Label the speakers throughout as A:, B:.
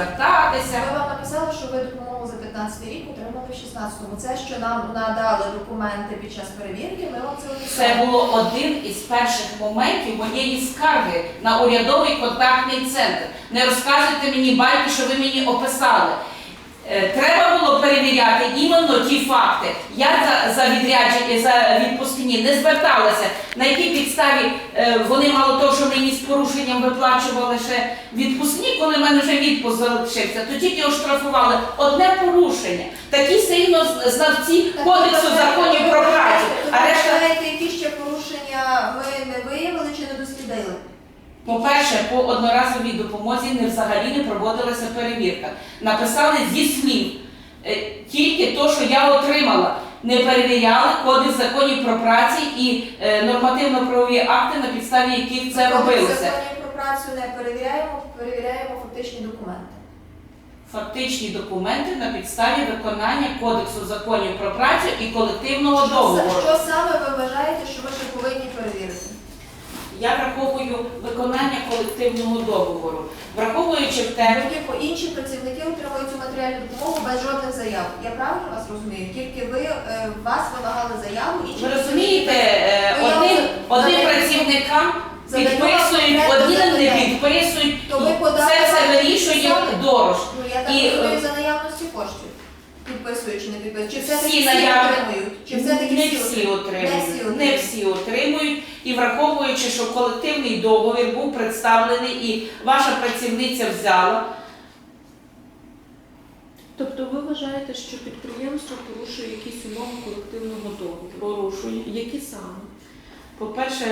A: звертатися.
B: Ми вам написали, що ви допомогу за 15 рік отримали в 16-му. Це, що нам надали документи під час перевірки, ми вам це написали.
A: Це було один із перших моментів моєї скарги на урядовий контактний центр. Не розказуйте мені байки, що ви мені описали. Треба було перевіряти іменно ті факти. Я за відпускні не зверталася. На якій підставі вони мало того, що мені з порушенням виплачували ще відпускні, коли в мене вже відпуск залишився, то тільки оштрафували одне порушення. Такі сильно знавці Кодексу законів про працю. А решта...
B: Які ще порушення ми не виявили чи не дослідили?
A: По-перше, по одноразовій допомозі взагалі не проводилася перевірка. Написали зі слів, тільки то, що я отримала. Не перевіряли Кодекс законів про працю і нормативно-правові акти, на підставі яких це робилося.
B: Кодекс законів про працю не перевіряємо, перевіряємо фактичні документи.
A: Фактичні документи на підставі виконання Кодексу законів про працю і колективного договору.
B: Що саме ви вважаєте, що ви ще повинні перевірити?
A: Я враховую виконання колективного договору. Враховуючи в те...
B: Інші працівники отримують цю матеріальну допомогу без жодних заяв. Я правильно вас розумію? Тільки вас вимагали заяву, інші...
A: Ви розумієте, одним працівникам підписують, одні не підписують, це вирішує Дорож.
B: Я так розумію, за наявності коштів. Підписують чи не підписують? Чи все-таки всі отримують? Чи все-таки
A: не всі отримують. Не всі отримують. І враховуючи, що колективний договір був представлений і ваша працівниця взяла.
C: Тобто ви вважаєте, що підприємство порушує якісь умови колективного договору? Порушує. Які саме?
A: По-перше,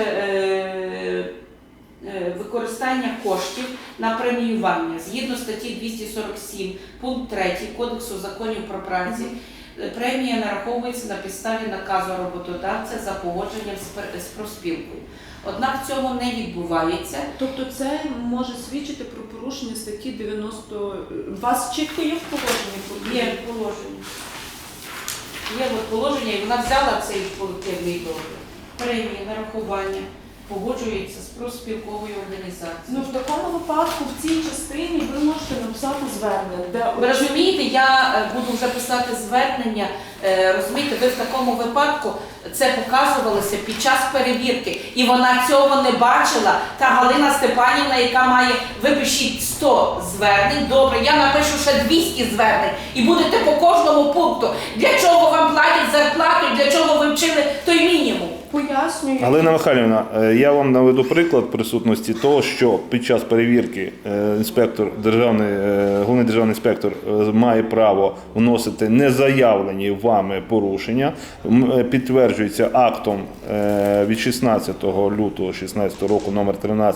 A: використання коштів на преміювання. Згідно статті 247, пункт 3 Кодексу законів про працю, премія нараховується на підставі наказу роботодавця за погодженням з профспілкою. Однак цього не відбувається.
C: Тобто це може свідчити про порушення статті 90... У вас чітко є в положенні?
A: Є положення. Є положення, і вона взяла цей колективний договір. Премія, нарахування погоджується з профспілковою організацією.
C: Ну, в такому випадку, в цій частині ви можете написати звернення.
A: Ви розумієте, я буду вже писати звернення, розумієте, ви в такому випадку це показувалося під час перевірки, і вона цього не бачила. Та Галина Степанівна, яка має, ви пишіть 100 звернень, добре, я напишу ще 200 звернень, і будете по кожному пункту. Для чого вам платять зарплату, для чого ви вчили той мінімум?
C: Пояснюю.
D: Галина Михайлівна, я вам наведу приклад присутності того, що під час перевірки головний державний інспектор має право вносити незаявлені вами порушення, підтверджується актом від 16 лютого 2016 року номер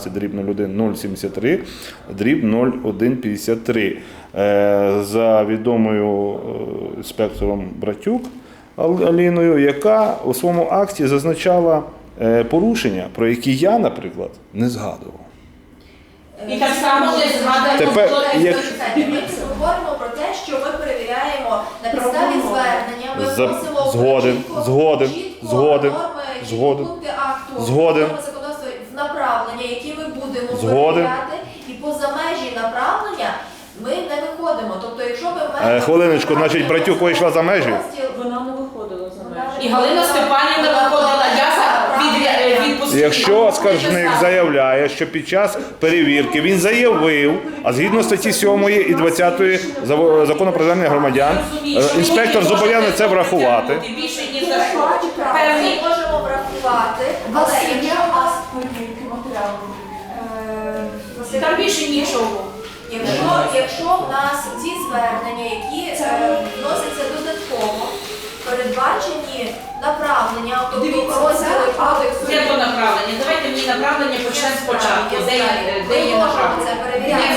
D: 13-01-073-0153 за відомою інспектором Братюк Аліною, яка у своєму акті зазначала порушення, про які я, наприклад, не згадував.
A: І так само не згадуємо.
D: Тепер,
B: Ми говоримо про те, що ми перевіряємо на підставі звернення, ми вносимо
D: Згоден.
B: пункти акту,
D: Згоден.
B: законодавства в направлення, які ми будемо
D: Згоден.
B: перевіряти, і поза межі направлення ми не виходимо. Тобто, якщо ми
D: Хвилиночку, значить, Братюк вийшла за межі?
C: Вона не виходила за межі.
A: І Галина Степанівна виходила, я відпустила.
D: Якщо скаржник заявляє, що під час перевірки він заявив, а згідно статті 7 і 20 Закону про звернення громадян, інспектор зобов'язаний це врахувати.
A: Більше ні за що.
B: Ми можемо врахувати, але якщо у нас
A: Там більше нічого.
B: Якщо в нас ці звернення, які вносяться додатково, передбачені направлення, тобто розділи кодексу.
A: Де то направлення? Давайте мені направлення почнемо спочатку. Де є направлення?
B: Це перевіряти.